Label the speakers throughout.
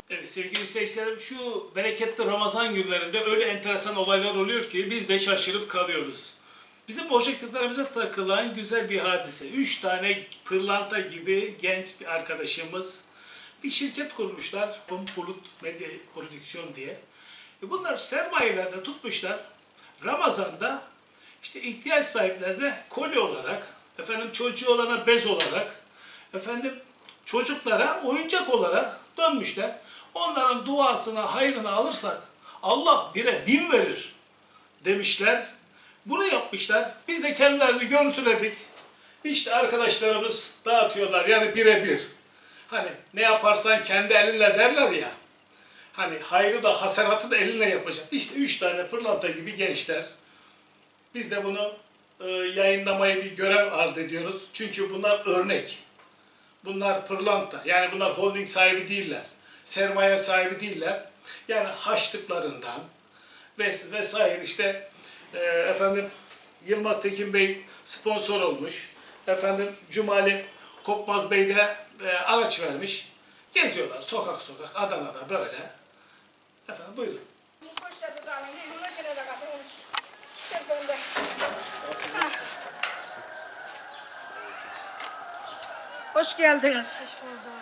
Speaker 1: Evet sevgili seyircilerim, şu bereketli Ramazan günlerinde öyle enteresan olaylar oluyor ki biz de şaşırıp kalıyoruz. Bizim projektörlerimize takılan güzel bir hadise. 3 tane pırlanta gibi genç bir arkadaşımız bir şirket kurmuşlar. Bulut Medya Prodüksiyon diye. Bunlar sermayelerini tutmuşlar. Ramazan'da işte ihtiyaç sahiplerine kolye olarak, efendim çocuğu olana bez olarak, efendim çocuklara oyuncak olarak dönmüşler. Onların duasına, hayrını alırsak Allah 1'e 1000 verir demişler. Bunu yapmışlar. Biz de kendilerini görüntüledik. İşte arkadaşlarımız dağıtıyorlar. Yani 1'e 1. Hani ne yaparsan kendi elinle derler ya. Hani hayrı da hasenatı da elinle yapacak. İşte 3 tane pırlanta gibi gençler. Biz de bunu yayınlamayı bir görev arz ediyoruz. Çünkü bunlar örnek. Bunlar pırlanta. Yani bunlar holding sahibi değiller. Sermaye sahibi değiller. Yani haçlıklarından vesaire işte efendim Yılmaz Tekin Bey sponsor olmuş. Efendim Cumali Kopmaz Bey de araç vermiş. Geziyorlar sokak sokak Adana'da böyle. Efendim buyurun.
Speaker 2: Hoş geldiniz.
Speaker 3: Hoş bulduk.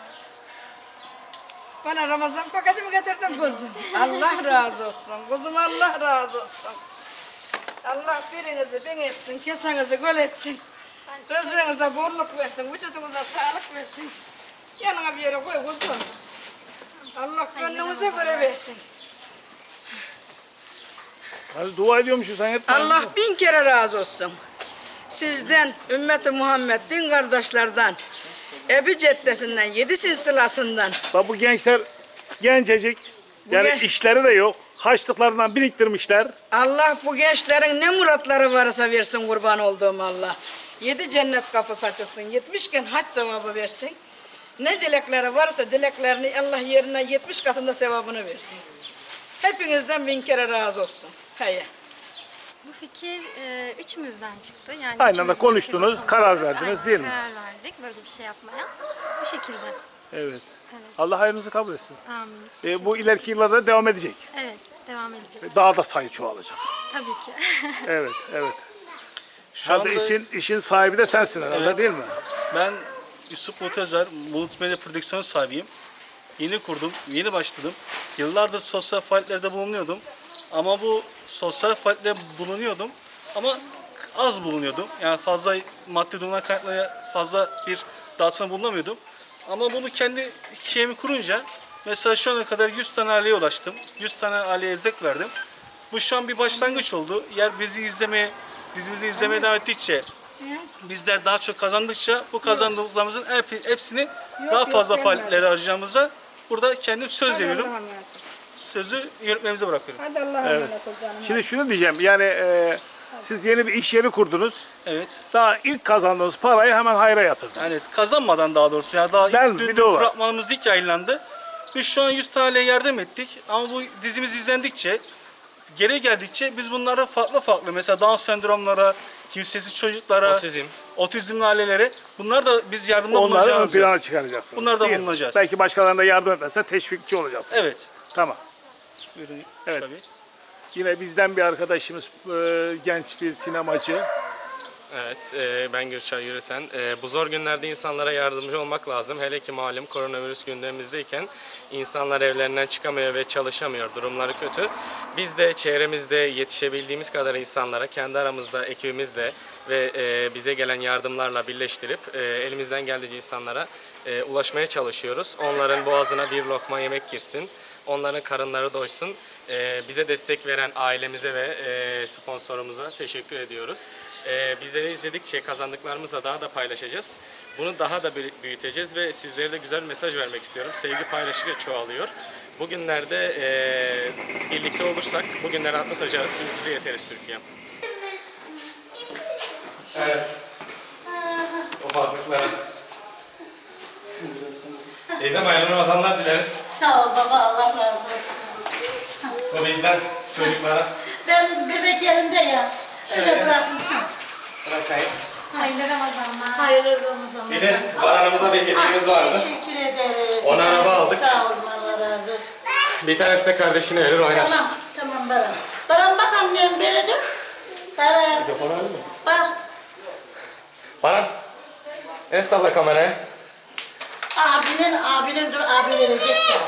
Speaker 2: Bana Ramazan paketi mi getirdin kuzum? Allah razı olsun. Kuzum Allah razı olsun. Allah birinizi bin etsin, kesenizi göl etsin. Rızkınıza bolluk versin, vücudunuza sağlık versin. Yanına bir yere koy kuzum. Allah gönlünüze göre versin.
Speaker 1: Hadi dua ediyormuşuz sen hep.
Speaker 2: Allah 1000 kere razı olsun. Sizden, ümmeti Muhammed, din kardeşlerden, Ebi Ceddesi'nden, 7 silsilasından.
Speaker 1: Bak bu gençler gencecik. Yani
Speaker 2: gen-
Speaker 1: işleri de yok. Haçlıklarından biriktirmişler.
Speaker 2: Allah bu gençlerin ne muratları varsa versin kurban olduğum Allah. 7 cennet kapısı açılsın, 70 gün hac sevabı versin. Ne dilekleri varsa dileklerini Allah yerine 70 katında sevabını versin. Hepinizden 1000 kere razı olsun. Hayır.
Speaker 3: Bu fikir üçümüzden çıktı. Yani
Speaker 1: Aynı
Speaker 3: üçümüz
Speaker 1: anda
Speaker 3: bu
Speaker 1: konuştunuz,
Speaker 3: şekilde
Speaker 1: karar
Speaker 3: konuştuk.
Speaker 1: verdiniz,
Speaker 3: Aynen,
Speaker 1: değil mi?
Speaker 3: Karar verdik böyle bir şey yapmaya. Bu şekilde.
Speaker 1: Evet.
Speaker 3: Evet.
Speaker 1: Allah hayrınızı kabul etsin.
Speaker 3: Amin.
Speaker 1: Bu ileriki yıllarda devam edecek.
Speaker 3: Evet, devam edecek.
Speaker 1: Daha da sayı çoğalacak.
Speaker 3: Tabii ki.
Speaker 1: Evet, evet.
Speaker 4: Şu
Speaker 1: Hadi
Speaker 4: anda
Speaker 1: işin sahibi de sensin herhalde,
Speaker 4: Evet.
Speaker 1: değil mi?
Speaker 4: ben Yusuf Bulut Özer, Bulut Medya Prodüksiyon sahibiyim. Yeni kurdum, yeni başladım. Yıllardır sosyal faaliyetlerde bulunuyordum. Ama bu sosyal faaliyetlerde bulunuyordum ama az bulunuyordum. Yani fazla maddi durumdan kaynaklı fazla bir dağıtımda bulunamıyordum. Ama bunu kendi hikayemi kurunca mesela şu ana kadar 100 tane aileye ulaştım. 100 tane aileye erzak verdim. Bu şu an bir başlangıç oldu. Yer bizi izlemeye, dizimizi izlemeye devam ettikçe, bizler daha çok kazandıkça bu kazandığımızın hepsini daha fazla
Speaker 2: gelmedi.
Speaker 4: faaliyetlere harcayacağımıza burada kendim söz
Speaker 2: Hadi
Speaker 4: veriyorum.
Speaker 2: Allah'a emanet ol.
Speaker 4: Sözü yönetmemize bırakıyorum.
Speaker 2: Hadi Allah'a emanet ol canım.
Speaker 1: Şimdi şunu diyeceğim, yani siz yeni bir iş yeri kurdunuz.
Speaker 4: Evet.
Speaker 1: Daha ilk kazandığınız parayı hemen hayra yatırdınız.
Speaker 4: Yani kazanmadan daha doğrusu ya daha
Speaker 1: Ben-
Speaker 4: ilk
Speaker 1: bir
Speaker 4: dün
Speaker 1: de o var.
Speaker 4: fragmanımız ilk yayınlandı. Biz şu an 100 taneye yardım ettik ama bu dizimiz izlendikçe geri geldikçe biz bunları farklı mesela Down sendromlara, kimsesiz çocuklara, otizmli ailelere bunlar da biz yardımda
Speaker 1: Onları ön
Speaker 4: bulunacağız.
Speaker 1: plana çıkaracaksınız.
Speaker 4: Bunlar da
Speaker 1: değil mi?
Speaker 4: bulunacağız.
Speaker 1: Belki başkalarına yardım etmezse teşvikçi olacaksınız.
Speaker 4: Evet.
Speaker 1: Tamam.
Speaker 4: Buyurun.
Speaker 1: Evet.
Speaker 4: Tabii.
Speaker 1: Yine bizden bir arkadaşımız, genç bir sinemacı.
Speaker 5: Evet, ben Gürçay Yürüten. Bu zor günlerde insanlara yardımcı olmak lazım. Hele ki malum koronavirüs gündemimizdeyken insanlar evlerinden çıkamıyor ve çalışamıyor. Durumları kötü. Biz de çevremizde yetişebildiğimiz kadar insanlara kendi aramızda, ekibimizle ve bize gelen yardımlarla birleştirip elimizden geldiğince insanlara ulaşmaya çalışıyoruz. Onların boğazına bir lokma yemek girsin. Onların karınları doysun. Bize destek veren ailemize ve sponsorumuza teşekkür ediyoruz. Bizleri izledikçe kazandıklarımızla daha da paylaşacağız. Bunu daha da büyüteceğiz ve sizlere de güzel bir mesaj vermek istiyorum. Sevgi paylaşıkça çoğalıyor. Bugünlerde birlikte olursak bugünleri atlatacağız. Biz bize yeteriz Türkiye. Evet. Ufaklıklara. Teyzem hayırlı Ramazanlar dileriz.
Speaker 6: Sağ ol baba, Allah razı olsun.
Speaker 5: Bu bizden çocuklara.
Speaker 6: Ben bebek yerimde ya. Şöyle
Speaker 5: Şöyle.
Speaker 6: bırakın.
Speaker 5: Bırakayım.
Speaker 3: Hayırlı Ramazanlar.
Speaker 6: Hayırlı Ramazanlar.
Speaker 5: Bir de baranımıza bir hediyemiz vardı.
Speaker 6: Teşekkür ederiz.
Speaker 5: 10 araba aldık.
Speaker 6: Sağ olun, Allah razı olsun.
Speaker 5: Bir tanesi de kardeşine verir oynar.
Speaker 6: Tamam, tamam Baran. Baran bak annem böyle de. Baran.
Speaker 5: Mikrofonu alayım mı?
Speaker 6: Bak.
Speaker 5: Baran. El salla kameraya.
Speaker 6: Abinin dur abi verecek sana.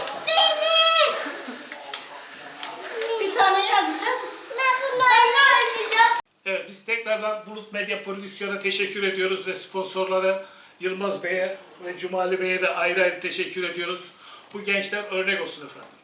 Speaker 6: Bir tane hadi sen.
Speaker 1: Evet, biz tekrardan Bulut Medya Prodüksiyon'a teşekkür ediyoruz ve sponsorlara Yılmaz Bey'e ve Cumali Bey'e de ayrı ayrı teşekkür ediyoruz. Bu gençler örnek olsun efendim.